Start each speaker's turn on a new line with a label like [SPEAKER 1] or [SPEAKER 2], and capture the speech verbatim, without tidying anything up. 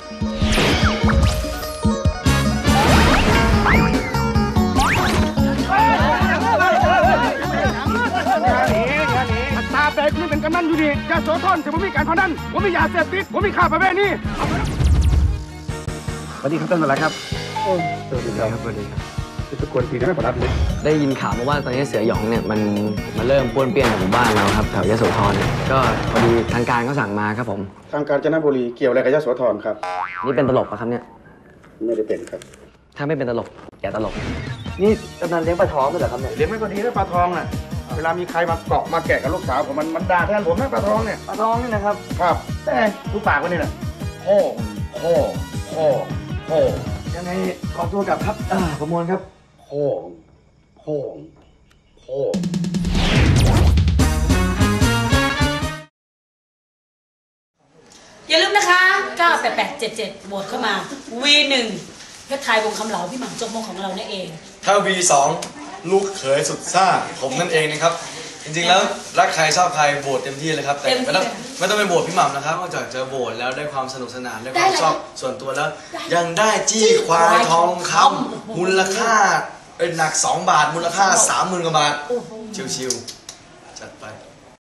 [SPEAKER 1] ตาแตกนี่เป็นกำนันอยู่ดียาโสธรจะไม่มีการพนันผมมียาเสพติดผมมีข่าประเวณีสวัสดีครับท่านอะไรครับสวัสดีครับสวัสดีครับทุกคนทีได้ไม่ปลอดภัย
[SPEAKER 2] ได้ยินข่าวมาว่าตอนนี้เสือหยองเนี่ยมันมาเริ่มป้วนเปี้ยนในหมู่บ้านเราครับแถวยโสธรก็พอดีทางการเขาสั่งมาครับผม
[SPEAKER 1] ทางกาญจนบุรีเกี่ยวอะไรกับยโสธรครับ
[SPEAKER 2] นี่เป็นตลกปะครับเนี่ย
[SPEAKER 1] ไม่ได้เป็นครับ
[SPEAKER 2] ถ้าไม่เป็นตลกอย่าตลกนี่กำนันเลี้ยงปลาทองด้วยเหรอครับเนี่ย
[SPEAKER 1] เลี้ยงไม่พอดีนะปลาทองน่ะเวลามีใครมาเกาะมาแกะกับลูกสาวผมมันมันด่าแทนผมนะปลาทองเนี่ย
[SPEAKER 2] ปลาทองนี่นะครับ
[SPEAKER 1] ครับแต่ดูปากมันนี่แหละโค้โค้โค้โค้
[SPEAKER 2] ยังไงขอตัวกลับครับอ่าประมวลครับ
[SPEAKER 1] โค้โค้โค้
[SPEAKER 3] อย่าลืมนะคะเก้า แปด แปด เจ็ด เจ็ดโหวตเข้ามา วี หนึ่ง เพชรไทยวงคำเหลาพี่หม่ำจกมงของเราเนี่ยเอง
[SPEAKER 4] ถ้า วี สอง ลูกเขยสุดซ่าผมนั่นเองนะครับจริงๆแล้วรักใครชอบใครโหวตเต็มที่เลยครับแต่ไม่ต้องไม่ต้องไปโหวตพี่หม่ำนะครับนอกจากจะโหวตแล้วได้ความสนุกสนานได้ความชอบส่วนตัวแล้วยังได้จี้ควายทองคำมูลค่าเป็นหนักสองบาทมูลค่าสามหมื่นกว่าบาทชิวๆจัดไป